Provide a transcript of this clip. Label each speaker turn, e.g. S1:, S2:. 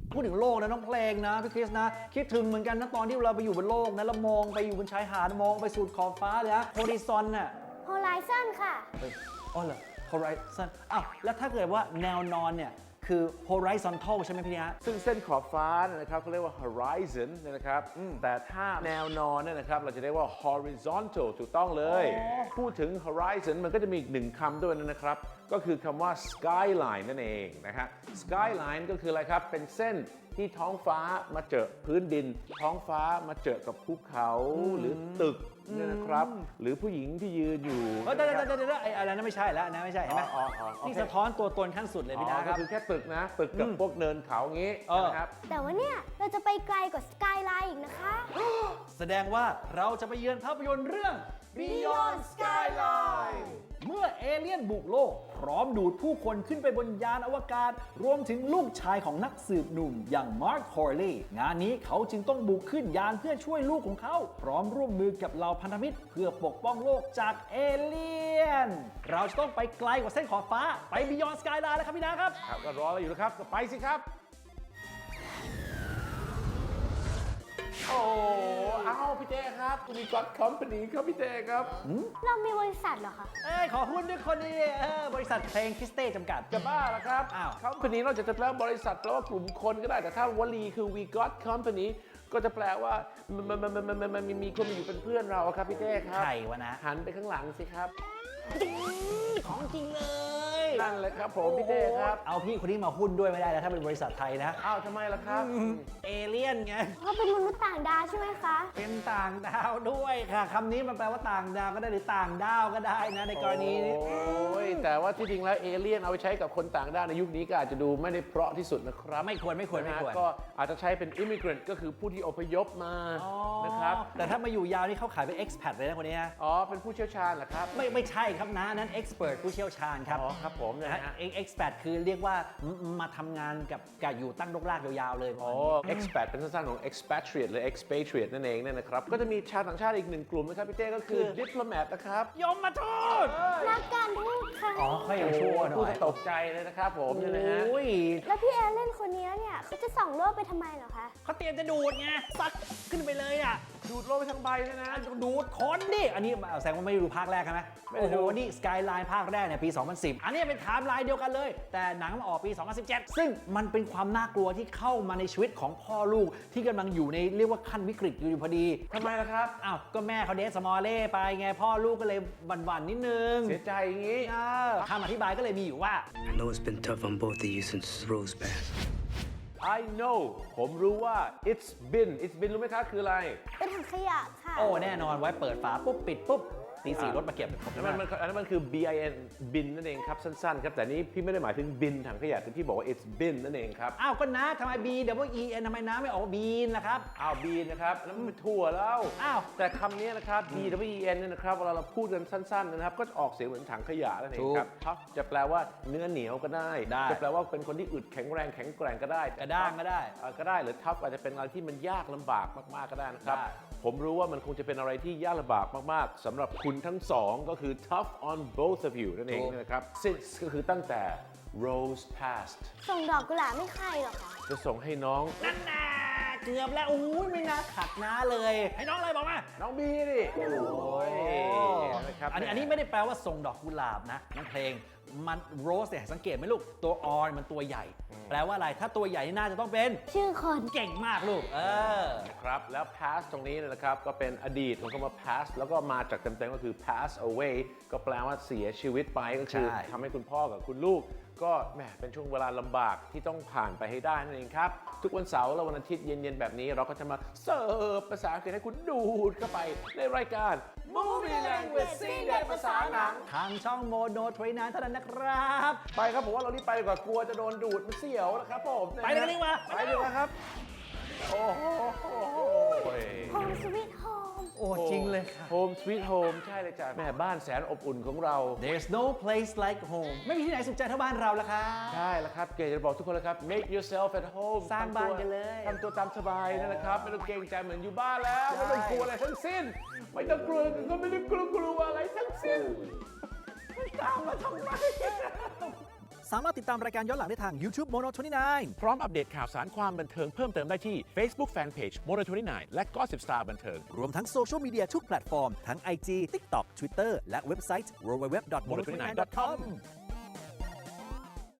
S1: พูดถึงโลกนะน้องเพลงนะพี่คริสนะคิดถึงเหมือนกันนะตอนที่เราไปอยู่บนโลกนะแล้วมองไปอยู่บนชายหาดมองไปสุดขอบฟ้าเลยนะโฮริซอนน่ะ
S2: Horizon ค่ะ
S1: เฮ้ยอ๋อเหรอ horizon อ้าวแล้วถ้าเกิดว่าแนวนอนเนี่ยคือ horizontal ใช่ไหมพี่นะ
S3: ซึ่งเส้นขอบฟ้านะครับเขาเรียกว่า horizon นะครับแต่ถ้าแนวนอนเนี่ยนะครับเราจะเรียกว่า horizontal ถูกต้องเลย พูดถึง horizon มันก็จะมีอีกหนึ่งคำด้วยนะครับก็คือคำว่า skyline นั่นเองนะฮะ skyline ก็คืออะไรครับเป็นเส้นที่ท้องฟ้ามาเจอพื้นดินท้องฟ้ามาเจอกับภูเขาหรือตึกเนี่ยนะครับหรือผู้หญิงที่ยืนอยู่
S1: เดี๋ยวไอ้อะไรนั้นไม่ใช่แล้วนะไม่ใช่เห็นไหม
S3: อ๋อโอเค
S1: ที่สะท้อนตัวตนขั้นสุดเลยพี่นะค
S3: ก็
S1: รับ
S3: คือแค่ตึกนะตึกกับพวกเนินเขาอย่างงี้นะครับ
S2: แต่ว่าเนี่ย เราจะไปไกลกว่า Skyline อีกนะคะ
S1: แสดงว่าเราจะไปเยือนภาพยนตร์เรื่อง Beyond Skyline เมื่อเอเลี่ยนบุกโลก พร้อมดูดผู้คนขึ้นไปบนยานอวกาศ รวมถึงลูกชายของนักสืบหนุ่มอย่างมาร์ค ฮอร์เลย์งานนี้เขาจึงต้องบุกขึ้นยานเพื่อช่วยลูกของเขา พร้อมร่วมมือกับเหล่าพันธมิตร เพื่อปกป้องโลกจากเอเลี่ยน เราจะต้องไปไกลกว่าเส้นขอบฟ้าไป Beyond Skyline แล้วครับพี่นะครับ
S3: ครับก็รอเราอยู่นะครับก็ไปสิครับ โอ้อ้าวพี่เต้ครับคุณมี God Company ครับพี่เต้ครับ
S2: เรามีบริษัทเหรอคะ
S1: เอ้ยขอหุ้นด้วยคนนี้บริษัทเพลงคริสเต้จำกัด
S3: จะบ้าละครับ
S1: อ้าว
S3: Company นอกจากจะแปลว่าบริษัทแปลว่ากลุ่มคนก็ได้แต่ถ้าวลีคือ we got company ก็จะแปลว่ามันมีคนมาอยู่เป็นเพื่อนเราอะครับพี่เต้ครับ
S1: ใครวะนะ
S3: หันไปข้างหลังสิครับ
S1: ของจริงเลย
S3: นั่นเลยครับผมพี่เต้ครับ
S1: เอาพี่คนนี้มาหุ้นด้วยไม่ได้แล้วถ้าเป็นบริษัทไทยนะ
S3: อ้าวทำไมล่ะครับ
S1: เอเลี่ยนไง
S2: เขาเป็นมนุษย์ต่างดาวใช่ไหมคะ
S1: เป็นต่างดาวด้วยค่ะคำนี้มันแปลว่าต่างดาวก็ได้หรือต่างดาวก็ได้นะในกรณีนี้
S3: โอ้ยแต่ว่าที่จริงแล้วเอเลี่ยนเอาไปใช้กับคนต่างด้าวในยุคนี้ก็อาจจะดูไม่ได้เพราะที่สุดนะครับ
S1: ไม่ควร
S3: นะฮะก็อาจจะใช้เป็น immigrant ก็คือผู้ที่อพยพมานะครับ
S1: แต่ถ้ามาอยู่ยาวนี่เขาขายเป็น expat เลยนะคนนี้นะ
S3: อ๋อเป็นผู้เชี่ยวชาญเหรอครับ
S1: ไม่ใช่ครับนะนั้น expert ผู้เชี่ยวชาญครับ
S3: อ๋อครับผมนะฮะ
S1: expat คือเรียกว่ามาทำงานกับอยู่ตั้งรกรากยาวๆเลย
S3: อ๋อ expat เป็นสั้นๆของ expatriate หรือ expatriate นั่นเองเนี่ยนะครับก็จะมีชาวต่างชาติอีกหนึ่งกลุ่มนะครับพี่เต้ก็คือ diplomat นะครับ
S1: ยมมาทูต
S2: นักการทูตค่ะ
S1: อ๋อค่อยยังชั่วหน่
S3: พูด
S1: อย
S3: ตกใจเลยนะครับผมเนี่ยนะฮะ
S1: โอ้ย
S2: แล้วพี่แอลเล่นคนนี้เนี่ยเขาจะส่องโลกไปทำไมเหรอคะ
S1: เขาเตรียมจะดูดไงซัดขึ้นไปเลยอ่ะ
S3: ดูดโลกไปทั้งใบเลยนะ
S1: ดูดคนดิอันนี้แสดงว่าไม่ได้ดูภาคแรกใช่ไหม
S3: ไม่ได้
S1: โอ้โห
S3: ดู
S1: นี่สกายไลน์ภาคแรกเนี่ยปี 2010 อันนี้เป็นไทม์ไลน์เดียวกันเลย แต่หนังมาออกปี 2017 ซึ่งมันเป็นความน่ากลัวที่เข้ามาในชีวิตของพ่อลูกที่กำลังอยู่ในเรียกว่าขั้นวิกฤตอยู่พอดี
S3: ทำไมล่ะครับ
S1: อ้าวก็แม่เขาเดทสมอลเล่ไปไงพ่อลูกก็เลยบั่นๆนิดนึง
S3: เสียใจอย่างนี้
S1: คำอธิบายก็เลยมีอยู่ว่า
S4: I know it's been tough on both of you since Rose passed.
S3: I know ผมรู้ว่า it's been รู้ไหมครับคืออะไร
S2: เป็นถังขยะค่ะ
S1: โอ้แน่นอนไว้เปิดฝาปุ๊บปิดปุ๊บตีสี่รถมาเก็บผม
S3: อันนั้นมันคือ bin บินนั่นเองครับสั้นๆครับแต่นี้พี่ไม่ได้หมายถึงบินถังขยะแต่พี่บอกว่า it's been นั่นเองครับ
S1: อ้าวก็นะทำไม B W E N ทำไมน้าไม่ออกบีนล่ะครับ
S3: อ้าวบีนนะครับแล้วมันเป็นถั่วแล้ว
S1: อ้าว
S3: แต่คำนี้นะครับ b w e n เนี่ยนะครับเวลาเราพูดกันสั้นๆนะครับก็จะออกเสียงเหมือนถังขยะนั่นเองครับ tough จะแปลว่าเนื้อเหนียวก็ได้ จะแปลว่าเป็นคนที่อึดแข็งแรงแข็งแกร่งก็ได้
S1: กระด้างก็ได้
S3: ก็ได้หรือ tough อาจจะเป็นอะไรที่มันยากลำบากมากๆก็ได้นะครับ
S1: ได้
S3: ผมรู้ว่ามันคงจะเป็นอะไรที่ยากลำบากมากๆสำหรับคุณทั้งสองก็คือ tough on both of you นั่นเองนะครับ since ก็คือตั้งแต่ Rose passed
S2: ส่งดอกกุหลาบไม่ใครหรอคะ
S3: จะส่งให้น้อง
S1: นั่นน่ะเกือบแล้วอุ้ยไม่น่าขัดน้าเลย ให้น้องอะไรบอกมา
S3: น้องบีดิโอ้ยนะครับ
S1: อันนี้ไม่ได้แปลว่าส่งดอกกุหลาบนะน้องเพลงมันโรสเนี่ยสังเกตไหมลูกตัว R มันตัวใหญ่ แปลว่าอะไรถ้าตัวใหญ่นี่น่าจะต้องเป็น
S2: ชื่อคน
S1: เก่งมากลูก
S3: ครับแล้ว pass ตรงนี้เนี่ยนะครับก็เป็นอดีตของคำว่า pass แล้วก็มาจากเต็มๆก็คือ pass away ก็แปลว่าเสียชีวิตไปก็คือทำให้คุณพ่อกับคุณลูก ก็แหมเป็นช่วงเวลาลำบากที่ต้องผ่านไปให้ได้นั่นเองครับ ทุกวันเสาร์และวันอาทิตย์เย็นๆแบบนี้เราก็จะมาเสิร์ฟภาษาอังกฤษให้คุณดูดเข้าไปในรายการ Movie Language ซีเด็ดภาษาหนัง
S1: ทางช่องโมโนทรีนานเท่านั้นนะครับ
S3: ไปครับผมว่าเรารีบไปดีกว่ากลัวจะโดนดูดมันเสียวนะครับผม
S1: ไปเลยกันดีกว่า
S3: ไปดีกว่าครับ โอ้โห
S2: โฮมสวีทโฮม
S1: โอ้จริงเลยค่ะ
S3: โฮมสวีทโฮมใช่เลยจ้ะแม่บ้านแสนอบอุ่นของเรา
S1: There's no place like home ไม่มีที่ไหนสุขใจเท่าบ้านเราละครับ
S3: ใช่แล้วครับเกย์จะบอกทุกคนเลยครับ make yourself at home
S1: สร้างบ้านกันเลย
S3: ทำตัวตามสบายนะครับไม่ต้องเกรงใจเหมือนอยู่บ้านแล้ว ไม่ต้องกลัวอะไรทั้งสิ้น ไม่ต้องกลัวก็ไม่ต้องกลัวอะไรทั้งสิ้น
S1: ตามมาทำไมสามารถติดตามรายการย้อนหลังได้ทาง YouTube Mono 29
S3: พร้อมอัปเดตข่าวสารความบันเทิงเพิ่มเติมได้ที่ Facebook Fanpage Mono 29 และ Gossip Star บันเทิง
S1: รวมทั้งโซเชียลมีเดียทุกแพลตฟอร์มทั้ง IG TikTok Twitter และเว็บไซต์ www.mono29.com